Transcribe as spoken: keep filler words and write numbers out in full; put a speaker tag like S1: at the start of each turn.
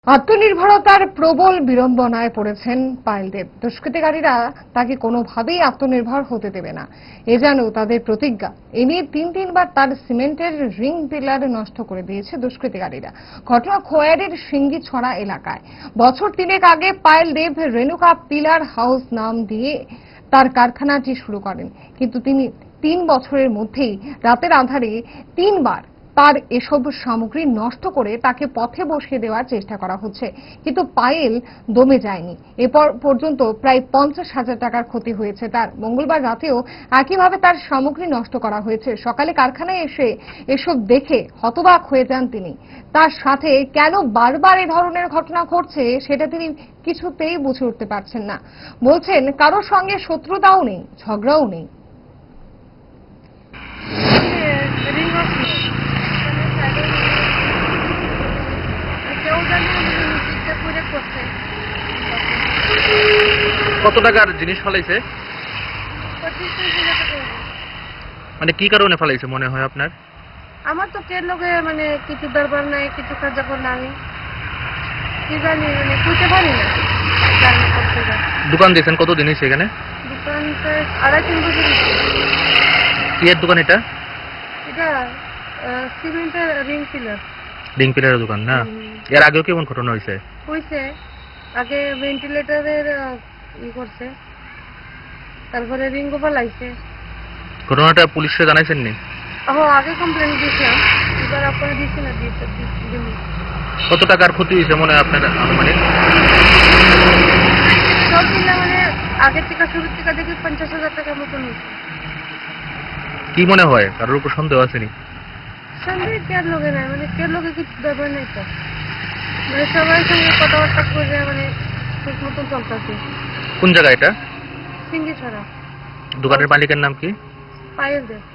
S1: আত্মনির্ভরতার প্রবল বিড়ম্বনায় পড়েছেন পায়েল দেব। দুষ্কৃতিকারীরা তাকে কোনোভাবেই আত্মনির্ভর হতে দেবে না, এ যেন তাদের প্রতিজ্ঞা। এ নিয়ে তিন তিনবার তার সিমেন্টের রিং পিলার নষ্ট করে দিয়েছে দুষ্কৃতিকারীরা। ঘটনা খোয়ারের সিঙ্গিছড়া এলাকায়। বছর তিনেক আগে পায়েল দেব রেণুকা পিলার হাউস নাম দিয়ে তার কারখানাটি শুরু করেন, কিন্তু তিনি তিন বছরের মধ্যেই রাতের আঁধারে তিনবার তার এসব সামগ্রী নষ্ট করে তাকে পথে বসিয়ে দেওয়ার চেষ্টা করা হচ্ছে, কিন্তু পায়েল দমে যায়নি। এরপর পর্যন্ত প্রায় পঞ্চাশ হাজার টাকার ক্ষতি হয়েছে তার। মঙ্গলবার রাতেও একইভাবে তার সামগ্রী নষ্ট করা হয়েছে। সকালে কারখানায় এসে এসব দেখে হতবাক হয়ে যান তিনি। তার সাথে কেন বারবার এ ধরনের ঘটনা ঘটছে সেটা তিনি কিছুতেই বুঝে উঠতে পারছেন না। বলছেন কারোর সঙ্গে শত্রুতাও নেই, ঝগড়াও নেই।
S2: কত টাকার জিনিস ফেলাইছে? মানে কি কারণে ফেলাইছে মনে হয় আপনার?
S3: আমার তো কের লোকে মানে কিছু দরবার নাই, কিছু কার্যকর নাই, কি জানি মানে বুঝতে পারি না।
S2: দোকান দিয়েছেন কতদিন হয়েছে এখানে?
S3: দোকান আড়াই তিন বছর।
S2: কি এর দোকান এটা?
S3: এটা সিমেন্টের রিং পিলার।
S2: রিং পিলারের দোকান না? এর আগেও কেমন ঘটনা হয়েছে?
S3: হয়েছে আগে ভেন্টিলেটরের ই করছে, তারপরে রিংও ফেলাইছে।
S2: ঘটনাটা পুলিশে জানাইছেন নি?
S3: ও আগে কমপ্লেন দিয়েছিলাম, এবার আপনারা দিচ্ছি না দিয়েছে।
S2: কত টাকার ক্ষতি হয়েছে মনে হয় আপনার আনুমানিক?
S3: সব মিলে মানে আগের থেকে শুরুর থেকে দেখি পঞ্চাশ হাজার টাকার মতন হয়েছে।
S2: কি মনে হয় কারোর উপর সন্দেহ আসেনি?
S3: সন্দেহ কেয়ার লোকে নাই, মানে কেয়ার লোকে কিছু ব্যাপার নেই তো, মানে সবার সঙ্গে কথাবার্তা করে মানে ঠিক মতন চলতেছে।
S2: কোন জায়গা এটা?
S3: সিঙ্গি ছড়া।
S2: দোকানের মালিকের নাম কি?
S3: পায়েল দেব।